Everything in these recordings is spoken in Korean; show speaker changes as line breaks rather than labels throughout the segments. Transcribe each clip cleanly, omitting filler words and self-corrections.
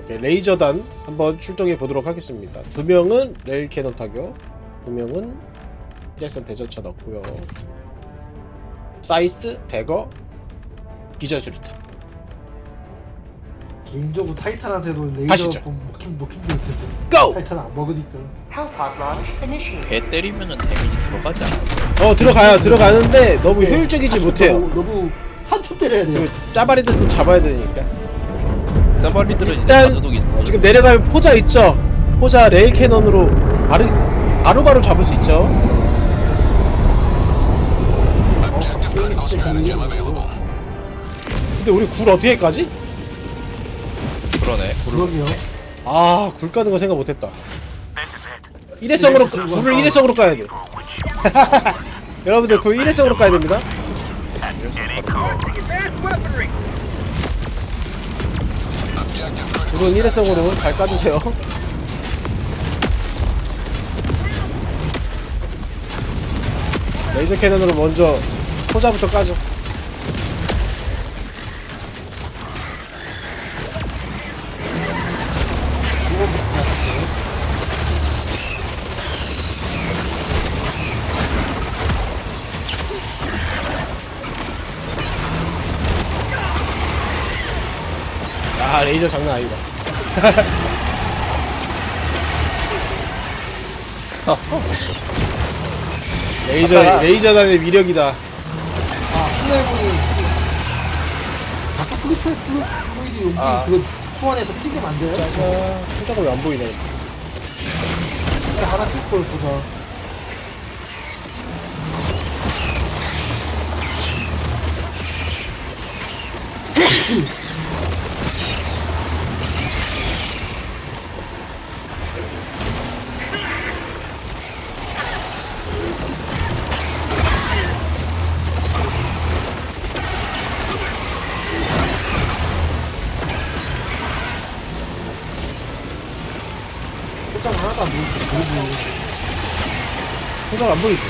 레이저단 한번 출동해 보도록 하겠습니다. 2명은 레일 캐논 타격, 2명은 일회선 대전차 넣고요. 사이스, 대거, 기절 수리탄.
개인적으로 타이탄한테도 레이저
가시죠.
먹힌 게 텐데.
고!
타이탄 안 먹으니까.
배 때리면은 데미지 들어가지 않아?
들어가는데 너무 효율적이지 못해요.
너무 한참 때려야 돼요.
그리고 짜바리들 좀 잡아야 되니까.
짜발리들은
일단
이제 가도둑이
지금 내려가면 포자 있죠? 포자 레일 캐논으로 바로바로 잡을 수 있죠? 근데 우리 굴 어떻게 까지?
그러네.
그러게요.
아, 굴 까는 거 생각 못했다. 일회성으로 굴을 일회성으로 까야 돼. 여러분들 굴 일회성으로 까야 됩니다. 굴은 일회성으로 잘 까주세요. 레이저 캐논으로 먼저 포자부터 까죠. 아, 레이저 장난 아니다. 레이저단의 위력이다.
플레이공이 아까 플루이드 용기 그거 소환해서 튀기면 안 돼요?
짜자. 표정이 왜 안 보이네.
하나 튀을 걸 보자. 표정 하나도 안 보이고.
표정 안 보이지?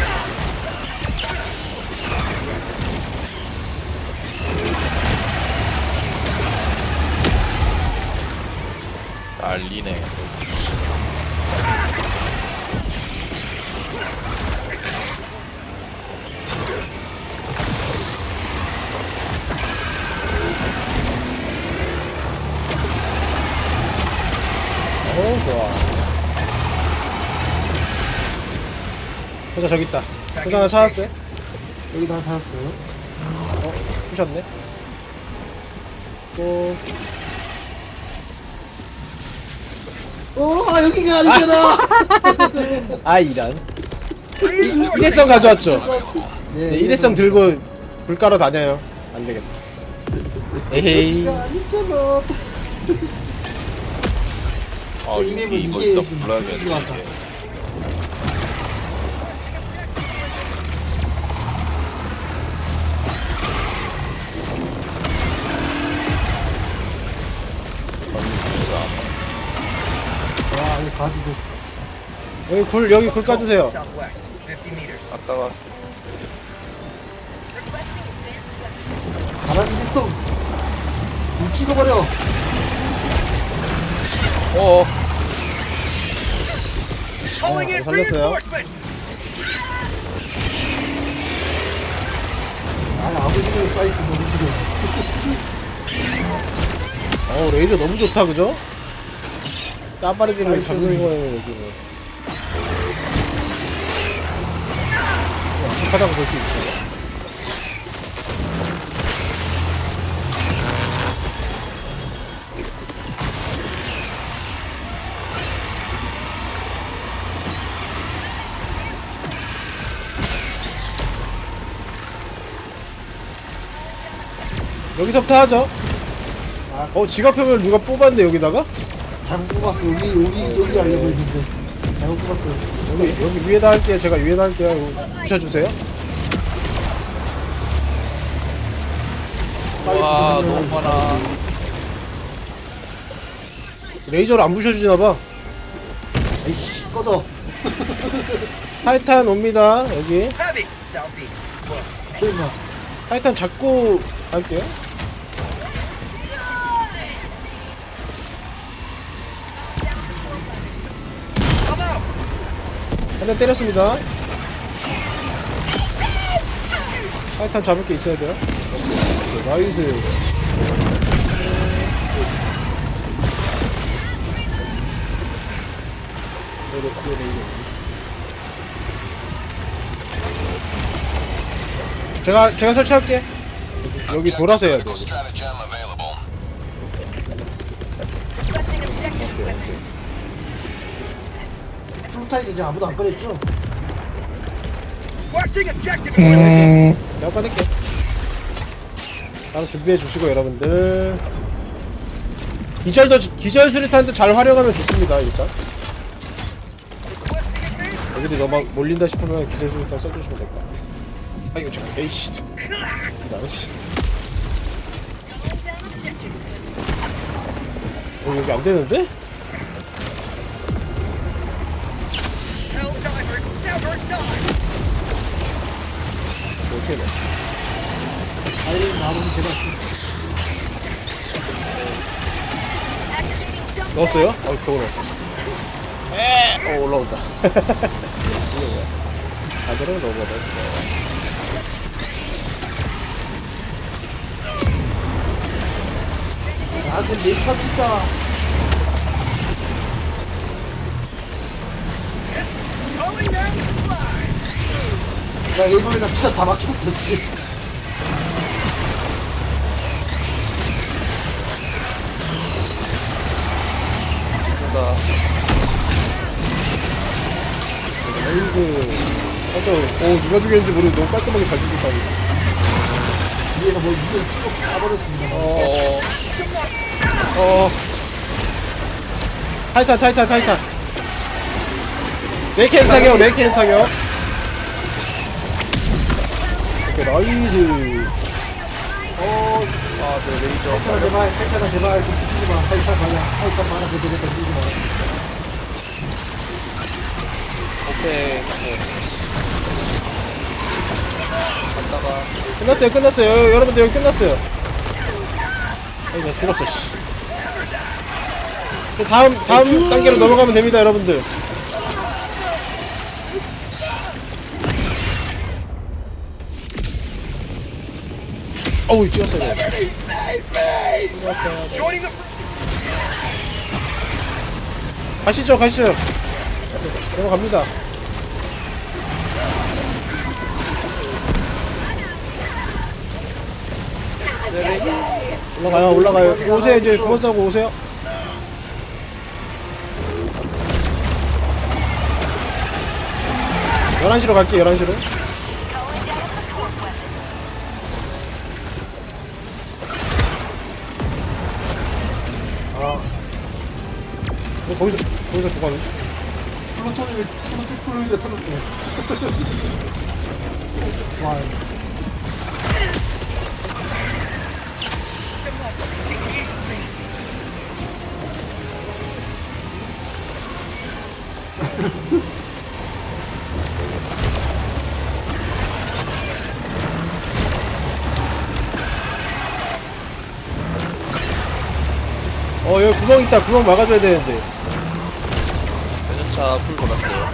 난리네.
좋아. 포자 저기 있다. 포자 하나 찾았어요?
여기 다 찾았어요.
부셨네. 또
여기가 아니잖아.
아, 이런. 일회성 가져왔죠? 네, 일회성 들고 불 깔아 다녀요. 안 되겠다. 에헤이.
여기가 아니잖아.
아,
이맵은
이거
이게
이따
좀
불러야겠네.
필요하다.
이게.
와, 이거 가지고.
여기 굴 까주세요.
아까가
가라지 있어. 불 찍어버려.
어어.
살렸어요.
아버지는 사이트 너무 싫어.
레이저 너무 좋다, 그죠? 따빠르기를 잡는 거에는 여기 뭐. 완벽하다고 볼 수 있죠. 여기서부터 하죠. 지갑표를 누가 뽑았는데 여기다가?
잘못 뽑았어. 여기 하려고 했는데. 잘못 뽑았어.
여기 위에다 할게요. 제가 위에다 할게요. 이거 부셔주세요.
와, 너무 많아.
레이저를 안 부셔주나봐.
아이씨, 꺼져.
타이탄 옵니다. 여기
설마.
타이탄 잡고 갈게요. 한 대 때렸습니다. 타이탄 잡을 게 있어야 돼요. 나이스. 제가 설치할게. 여기 돌아서 해야 돼.
프로타이드 이제 아무도 안 꺼냈죠?
내가 꺼낼게. 다음 준비해 주시고 여러분들. 기절 수리탄도 잘 활용하면 좋습니다. 일단 여기도 너무 몰린다 싶으면 기절 수리탄 써주시면 될 거야. 아 이거 잠깐 에이씨. 나이씨. 여기 안 되는데? 어떻게 돼?
아이는 나무는 제가
넣었어요? 겨우 넣었어. 올라온다. 이게 뭐야? 다들은 넣어보다.
나한테 메이크업 있다. 나 일본이랑 진짜 다 막혔어 지금.
나
아이고. 누가 죽였는지 모르는데 너무 깔끔하게 잘 죽였다.
위에서 뭐 이걸 쭉 까버렸습니다.
타이탄. 네이켄 타격. 오케이, 나이스.
네, 레이저.
탈타나 제발 좀 붙이지 마. 탈타 말아 되겠다. 붙이지 마.
오케이. 갔다가
끝났어요. 여러분들 여기 끝났어요. 아이고, 나 죽었어, 씨. 다음 단계로 넘어가면 됩니다, 여러분들. 어우, 찍었어요. 가시죠. 넘어갑니다. 올라가요. 오세요, 이제 그만 싸고 오세요. 열한 시로 갈게, 11시로. 거기서 죽었네.
플루토니가 터졌어요. 와.
여기 구멍 있다. 구멍 막아줘야 되는데.
대전차 풀 돌았어요.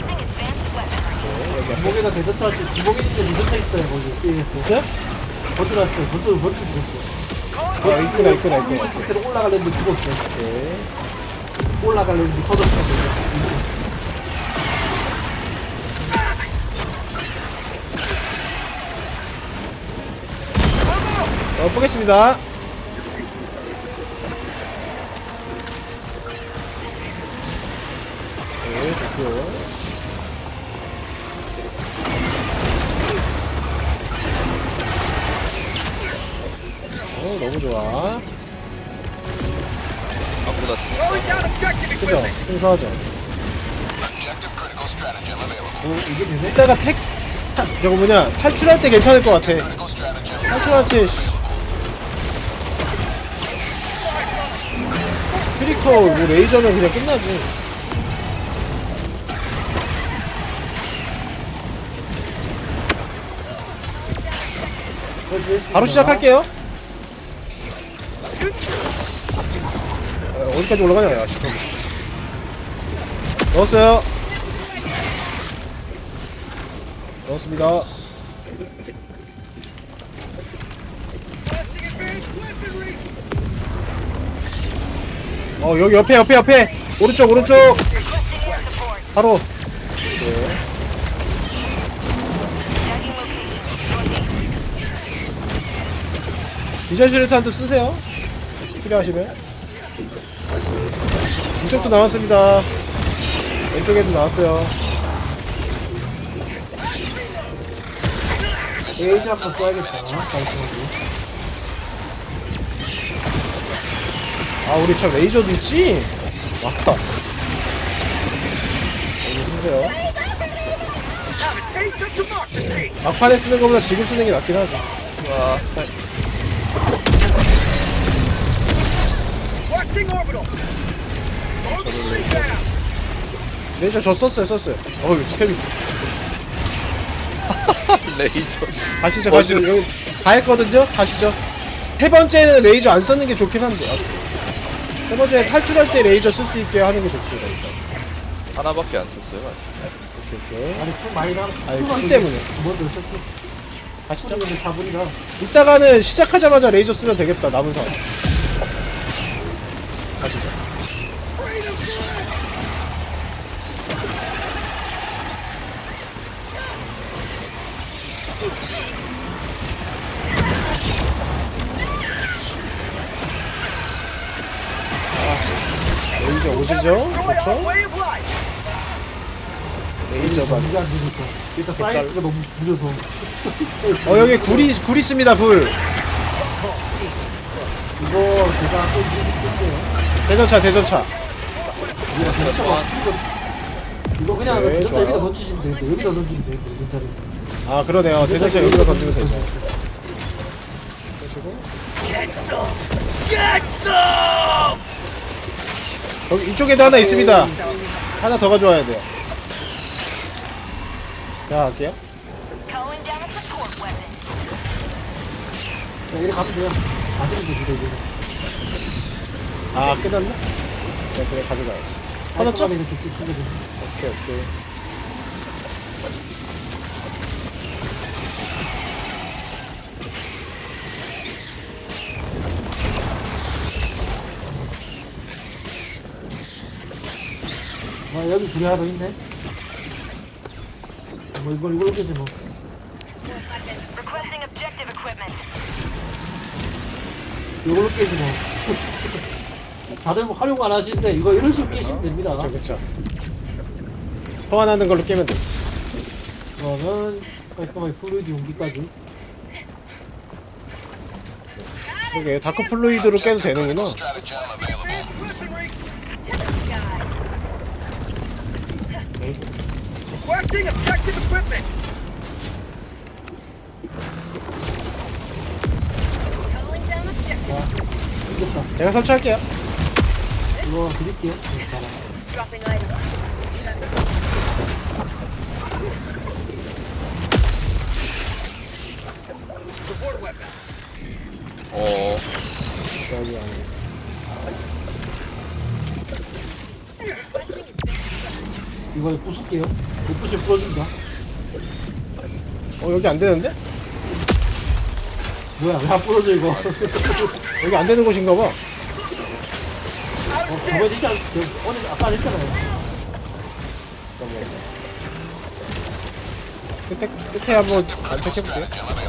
주먹에다 대전차 주먹에 있는데 대전차 있어요 거기 게임에서.
있어요?
버텨놨어요. 버텨 죽었어.
있구나.
상태로 올라가려는데 죽었어.
네.
올라가려는데 터졌어.
보겠습니다. 네, 좋고요. 너무 좋아.
아무다
그죠? 순서하죠.
이게 되네?
이따가 저거 뭐냐, 탈출할 때 괜찮을 것 같아. 탈출할 때, 트리커, 뭐, 레이저는 그냥 끝나지. 바로 시작할게요. 어디까지 올라가냐, 야, 시끄러워. 넣었어요. 넣었습니다. 여기 옆에 오른쪽 바로. 네. 비전 슈레탄도 쓰세요. 필요하시면. 이쪽도 나왔습니다. 왼쪽에도 나왔어요.
에이지 한번 써야겠다. 깔끔하게.
아, 우리 저 레이저도 있지? 맞다. 여기 쓰세요. 막판에 쓰는 것보다 지금 쓰는 게 낫긴 하죠.
와.
레이저 저 썼어요. 어휴, 세미.
레이저.
가시죠. 여기 다 했거든요? 가시죠. 세 번째는 레이저 안 쓰는 게 좋긴 한데. 세 번째 탈출할 때 레이저 쓸 수 있게 하는 게 좋습니다, 일단.
하나밖에 안 썼어요. 아직.
오케이.
아니, 풀 많이 나.
아니, 풀 때문에.
먼저 어차피.
가시죠.
풀이 4분이라.
이따가는 시작하자마자 레이저 쓰면 되겠다, 남은 사람. 가시죠. 레이저 오시죠? 그렇죠? 레이저가.
이게 안 되니까. 일단 사이즈가 너무 무려서.
여기 굴 있습니다, 굴.
이거 제가 한번 해볼게요.
대전차.
이거 그냥
네,
대전차
좋아요.
여기다 던지시면 되는데 여기다 던지면 되는데 대전차를.
아, 그러네요. 대전차 여기다 던지면 되죠. 여기 이쪽에도 하나 있습니다. 하나 더 가져와야 돼요. 자, 할게요.
Calling down a support weapon.
그냥 이렇게 가면 돼요. 가시면 됩니다 이제.
아, 끝났나? 네, 그래, 가져가야지. 터졌죠?
깔끔하게 이렇게 찍히게 됩니다.
오케이.
여기 둘이 하나 더 있네. 뭐 이걸 깨지 뭐.
Requesting objective equipment.
이걸로 깨지 뭐. 다들 뭐 활용 안 하시는데 이거 이런 식으로 깨시면 됩니다.
그쵸. 소환하는 걸로 깨면 돼.
그러면 깔끔하게 플루이드 용기까지.
그러게, 다크 플루이드로 깨도 되는구나.
Requesting objective equipment.
Calling down objective.
이겼다.
제가 설치할게요.
이거 드릴게요. 네, 봐라.
Dropping item.
Support weapon.
여기 안에.
이거 부술게요. 못 부시면 부러진다.
여기 안 되는데?
뭐야 왜 안 부러져 이거.
여기 안 되는 곳인가 봐.
저번에 진짜 오늘 아까 했잖아요.
끝에 한번 안착해볼게요.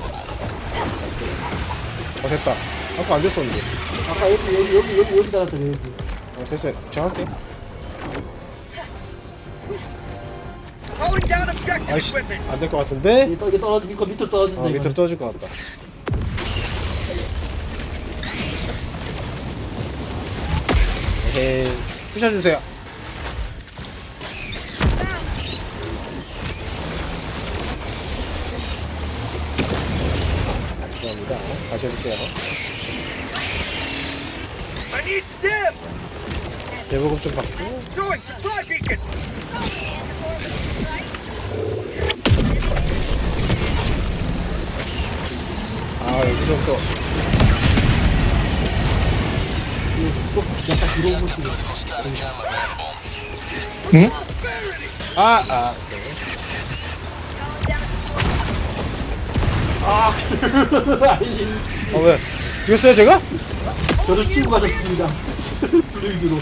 됐다. 아까 안 됐었는데.
아까 여기 달았잖아요 여기.
됐어요. 제가 할게요.
Calling down objective
아이씨,
equipment.
안 될 것 같은데?
이게 떨어지니까 밑으로 떨어진다. 이거.
밑으로 떨어질 것 같다. 에헤이, 부셔주세요. 감사합니다. 다시 해볼게요.
I need stim.
대보급 좀 받고.
Doing supply beacon.
여기서 또.
또 약간 뒤로 오고 있어요.
응? 오케이.
아, 아니,
왜? 죽였어요 제가?
저도 치고 가셨습니다. 블루이드로.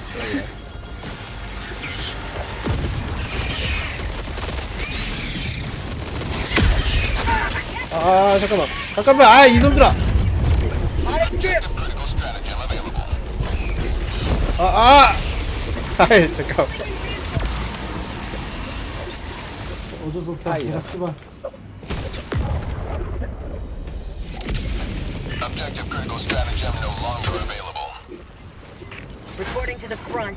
아 잠깐만 아 이놈들아
On skip.
아이 잠깐
어쩔 수 없다.
아이야.
내가 치마.
Objective critical stratagem no longer available.
Reporting to the front.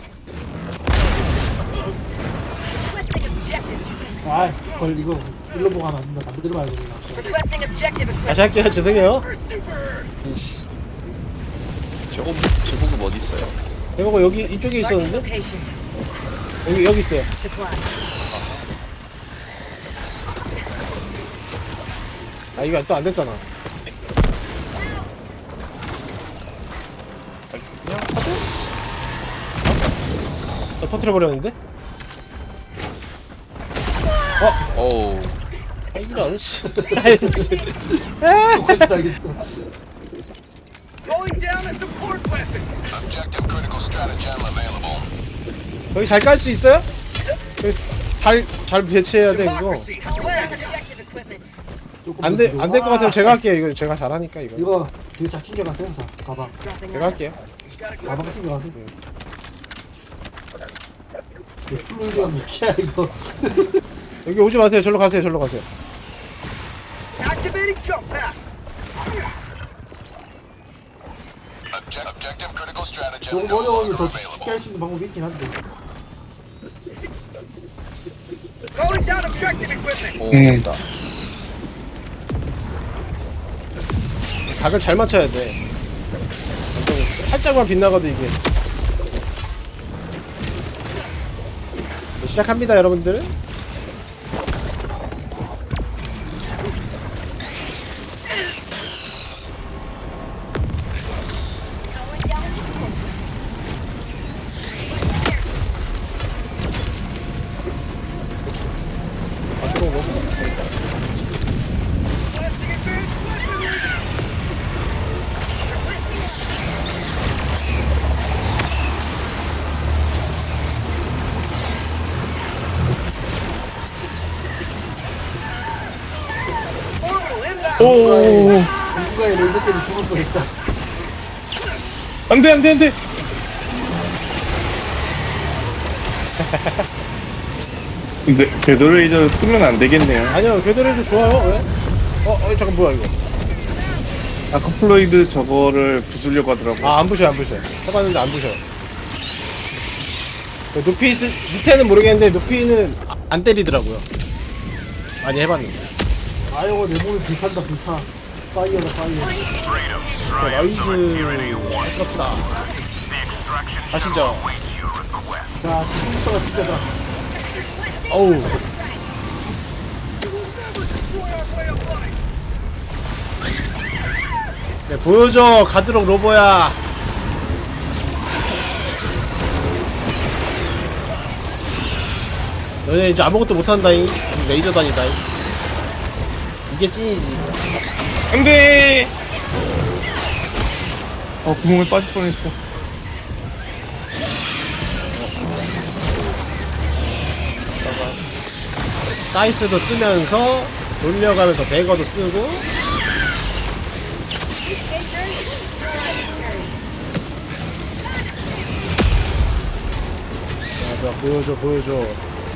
Requesting objective.
아, 걸 이거 일로 보고 하면 안 된다. 반대로 말고 그냥.
Requesting objective equipment.
다시 할게요 죄송해요 이씨
저거 제복음 어디 있어요?
이거 여기 이쪽에
Marking
있었는데
location.
여기 있어요
Supply.
아 이거 또 안 됐잖아
그냥 하도?
저 터트려 버렸는데
어우
아 이런 씨 아이씨 아,
똑같이 알겠어.
Going down a support weapon.
Objective critical stratagem available.
여기 잘 깔 수 있어요? 여기 잘 배치해야 돼 이거
Democracy.
Calling down objective equipment.
조금
안
더
될
뒤로.
것 같으면 제가 할게요 이거 제가 잘하니까 이거
이거 뒤에 다 챙겨가세요. 다 가방.
Dropping
제가 할게요
가방 챙겨가세요. 이거 플루이드가 몇이야 이거.
여기 오지 마세요 절로 가세요
Activating jump pad.
Objective critical stratagem
조금
no
어려우면
longer
더
available.
쉽게 할 수 있는 방법이 있긴 한데.
Calling down objective equipment.
오 됐다.
각을 잘 맞춰야 돼 완전 살짝만 빗나가도 이게 시작합니다 여러분들
Orbital inbound.
오
누군가의 레이저 때문에 죽을 뻔했다.
안돼 안돼 안돼. 근데 궤도레이저 쓰면 안 되겠네요.
아니요 궤도레이저 좋아요 왜? 잠깐 뭐야 이거
아크플로이드 저거를 부수려고 하더라고.
안 부셔요 해봤는데 안 부셔요 높이 밑에는 모르겠는데 높이는 안 때리더라고요 많이 해봤는데
아이고 내 몸이 불탄다 불타. 파이어다 파이어.
나이스 아깝다 가시죠
자 지금부터가 진짜다.
어우 네, 보여줘 가도록 로보야 너네 이제 아무것도 못한다잉 레이저 다니다잉 이게 찐이지
안돼. 구멍에 빠질 뻔했어.
사이스도 쓰면서 돌려가면서 배거도 쓰고 자 보여줘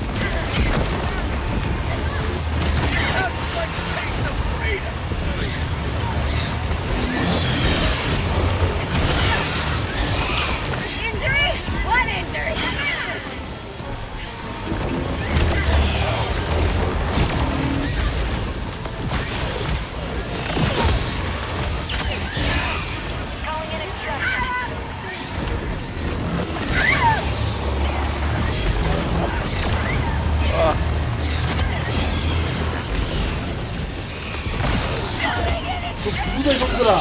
Injury? What injury? Calling in extraction.
부자 이놈들아.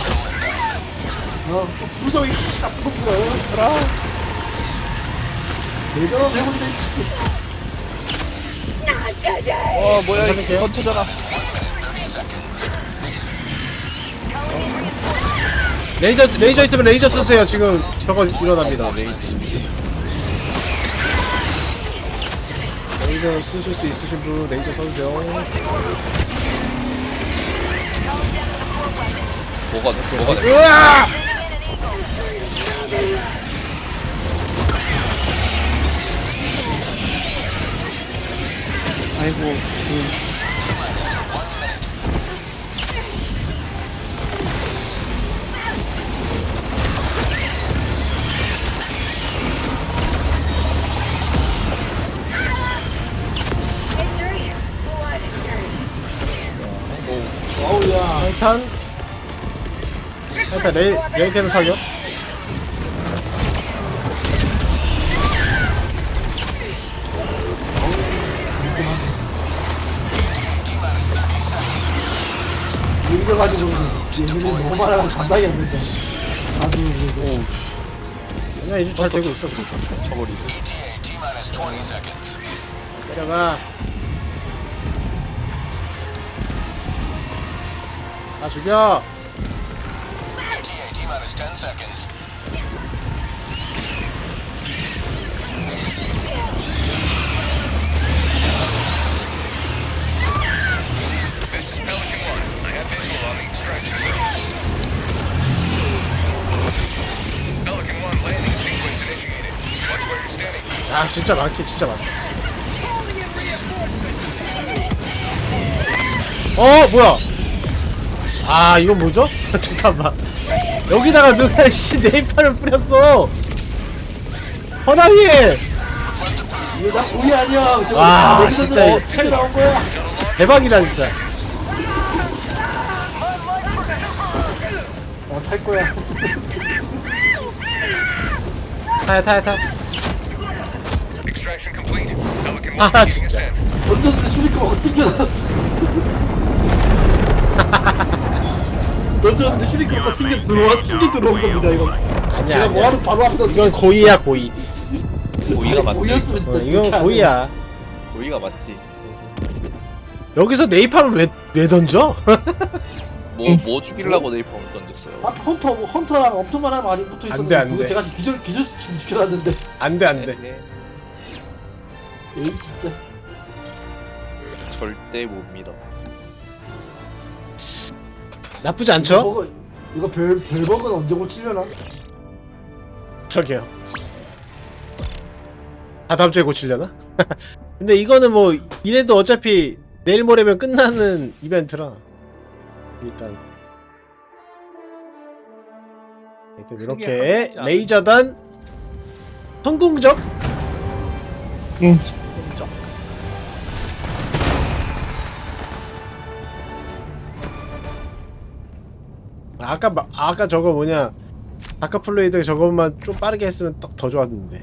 부자 이 나쁜 놈들아. 내가 해본데.
뭐야 이게 터트잖아.
레이저 있으면 레이저 쓰세요. 지금 저거 일어납니다. 레이저 쓰실 수 있으신 분 레이저 써주세요.
뭐가 돼?
으아! 아이고.
Injury. One injury.
어우야.
타이탄 레이캐는 타격.
밀려가지고 얘네는 너무 많아서 감당이 안 된다. 아주
아니야 이제 잘 되고 있어.
쳐버리고.
ETA T-minus 20 seconds.
내려가. 다 죽여.
ETA T-minus 10 seconds. This is Pelican 1. I have visual on the extraction zone. Pelican 1 landing sequence initiated. Watch where you're standing.
아 진짜 많게 진짜 많다. 뭐야? 아 이건 뭐죠? 잠깐만. 여기다가 누가 씨 네이파를 뿌렸어. 허당이.
이거 나 우리 아니야. 저거
와,
다 내리던데
진짜
어떻게 나온 거야?
대박이다 진짜.
탈 거야.
타야.
Extraction complete. Pelican 1
아
beginning
진짜.
ascent.
던졌는데 슈리크가 튕겨나왔어. 던졌는데 슈리크가 튕겨 들어온 겁니다 이거.
아니야.
제가 뭐하러 바로 앞에서
이건 고의야 고의.
고의가 맞지.
보였으면
이건 고의야.
고의가 맞지.
여기서 네이파를 왜 던져?
뭐 죽이려고 네이프를 던졌어요.
앞 헌터랑 엄청만한 많이 붙어
안 돼,
있었는데
안
그거
돼.
제가 기절 시켜놨는데.
안돼.
네,
에이 진짜.
절대 못 믿어.
나쁘지 않죠?
이거 별버그는 언제 고치려나?
저기요. 다 다음 주에 고치려나? 근데 이거는 뭐 이래도 어차피 내일 모레면 끝나는 이벤트라 일단 이렇게 레이저단 성공적. 아까 저거 뭐냐 아까 플레이드 저것만 좀 빠르게 했으면 더 좋았는데.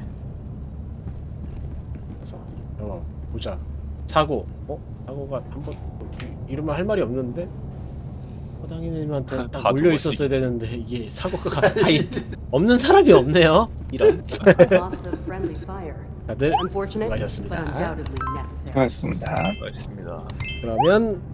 그래서 보자. 사고가 한번 이러면 할 말이 없는데 허당이님한테 딱
다
몰려
죽었지.
있었어야 되는데 이게 사고가 다 없는 사람이 없네요. 이런.
Lots of friendly fire.
다들
Unfortunate, but
수고하셨습니다.
undoubtedly necessary.
고맙습니다.
알겠습니다.
그러면